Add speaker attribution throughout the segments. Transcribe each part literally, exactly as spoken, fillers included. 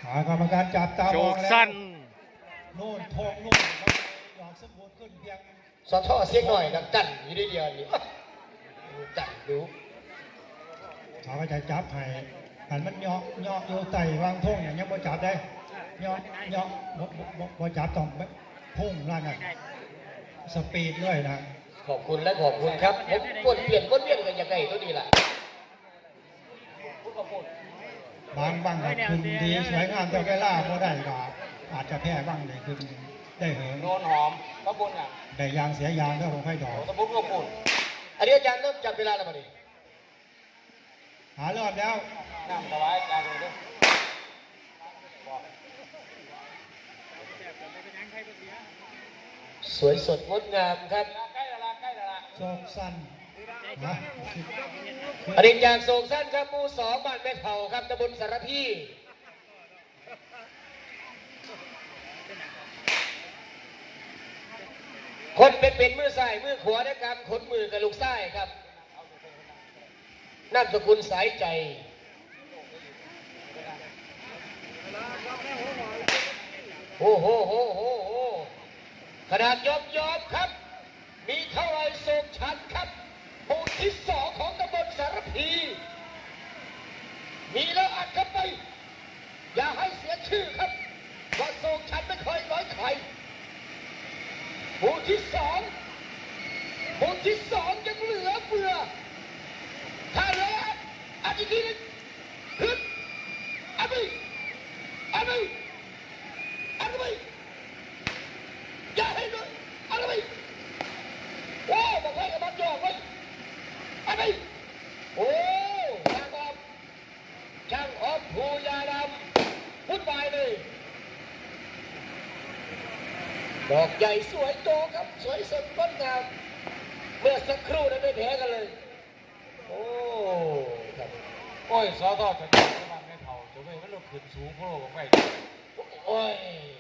Speaker 1: กรรมการจับตามองแล้ว
Speaker 2: สั้น
Speaker 1: โน่นทองโน่นดอกสมบูรณ์ขึ้นเพียง
Speaker 3: สะท้อเสียงหน่อยดังกันอยู่ได้เดียวนี่จัดดู
Speaker 1: เขาก็จะจับให้หันมันย่อย่อโยไต่วางทุ่งอย่างนี้บ่จับได้ย่อย่อบ่บ่บ่จับต้องพุ่งล่างน่ะสปีดด้วยนะ
Speaker 3: ขอบคุณและขอบคุณครับผมวนเปลี่ยนวนเวียนกันยังไงตัวนี้ล่ะ
Speaker 1: บางบ้างก็ขึ้นดีสวยงามแต่แก่ล่าพอได้ก็อาจจะแพ้บ้างเลยขึ้นได้เหิน
Speaker 4: โดนหอมกระปุนอ่ะ
Speaker 1: ได้ยางเสียยางก็คงค่อยดอก
Speaker 4: กระปุนกระปุน
Speaker 3: อันนี้อาจารย์เริ่มจับเวลาแล้วมั้ย
Speaker 1: หารอบแล้ว
Speaker 4: น้ำสบายอาจารย์ดู
Speaker 3: สวยสดงดงามครับ
Speaker 4: ใกล้ละใกล้ละ
Speaker 1: โศกสั้นนะ
Speaker 3: อรินจากโศกสั้นครับหมู่สองบ้านแม่เฒ่าครับตำบลสารพีคนเป็นเป็นมือซ้ายมือขวาได้กำขนมือกับลูกซ้ายครับนามสกุลสายใจโอ้โหโหโหโหขนาดยอบยอบครับมีเท่าไรโศกชันครับหมู่ที่สองของตำบลสารพีมีแล้วอัดเข้าไปอย่าให้เสียชื่อครับว่าโศกชันไม่เคยร้อยใครหมู่ที่สองหมู่ที่สองยังเหลือเฟือถ้าเหลืออัดอีกทีนึงขึ้นอัดไปอัดไปอัดไปอย่าให้เลยอัดไปโอ้บอกให้กับมันจ่อไว้อัดไปโอ้ช่างออมช่างออมภูยาดำพุ่นไปเลยดอกใหญ่สวยโตครับสวยสดงดงามเมื่อสักครู่นั้นไม่แพ้กันเลยโอ้ครับ
Speaker 4: โอ้ยสอทอจะจับมันไม่เท่าจะไม่มันลงขึ้นสูงพวกเราไป
Speaker 3: โอ้ย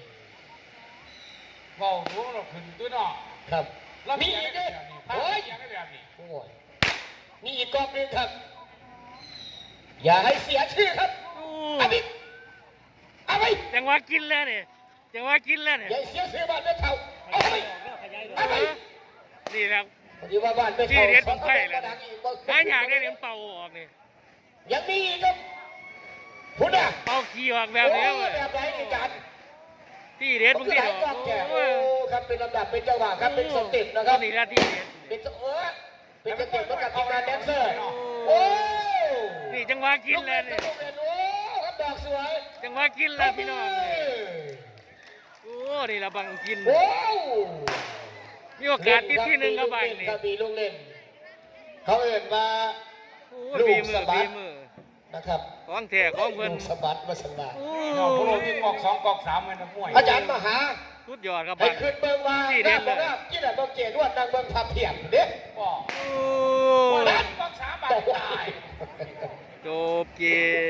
Speaker 4: เบาสูงเราขึ้นด้วยเนาะ
Speaker 3: ครับ
Speaker 4: แล้วมีอีกด้วยโอ้ยยังไม่แบบนี้
Speaker 3: โอ้ยมีอีกกองหนึ่งครับอย่าให้เสียชื่อครับอาบิเอาไป
Speaker 2: จังหวะกินแล้วเนี่ยจังหวะกินแล้วเนี่ย
Speaker 3: อย่าเสียชื่อบ้านไม่เท่าเอาไปเอาไป
Speaker 2: นี่แหละ
Speaker 3: พอดีว่าบ้านไม่เท่า
Speaker 2: ที่เรียนผมไข่เลยถ้าอยากได้เหรียญเป่าออกนี่
Speaker 3: ยังมีอีกครับคุณอ่ะ
Speaker 2: เป่าขี้ออกแบบนี้เลย
Speaker 3: แบบไหนอีกจัน
Speaker 2: ที่เรียนผมที่
Speaker 3: ดอกโอ้ครับเป็นลำดับเป็นจังหวะครับเป็นสเต็ปนะครับ
Speaker 2: นี่ละที่เรียน
Speaker 3: เป็นเออเป็นสเต็ปกับทีมงานแดนเซอร์โอ้
Speaker 2: นี่จังหวะกินแล้วเนี่ย
Speaker 3: โอ้ครับดอกสวย
Speaker 2: จังหวะกินแล้วพี่น้องโอ้นี่ละบังกิน
Speaker 3: โอ้
Speaker 2: มีโอกาสที่ที่หนึ่งก็บังนี่
Speaker 3: ครับมีลูกเล่นเขาเอ่ยมา
Speaker 2: ลูกสะบัด
Speaker 3: นะครับ
Speaker 2: ของแท้ของเพื่อน
Speaker 3: สะบัดมาสบาย
Speaker 4: เราพวกเราที่กอกสองกอกสามมันมวย
Speaker 3: อาจารย์มหา
Speaker 2: สุดยอดครับ
Speaker 3: ให้ขึ้นเบิ้งว่าหน้าบอกว่าที่ไหนบอกเจดวดนางเบิ้งพับเพียบเด็ก
Speaker 4: บอกว่ากอกสามบาทตาย
Speaker 2: จบเกม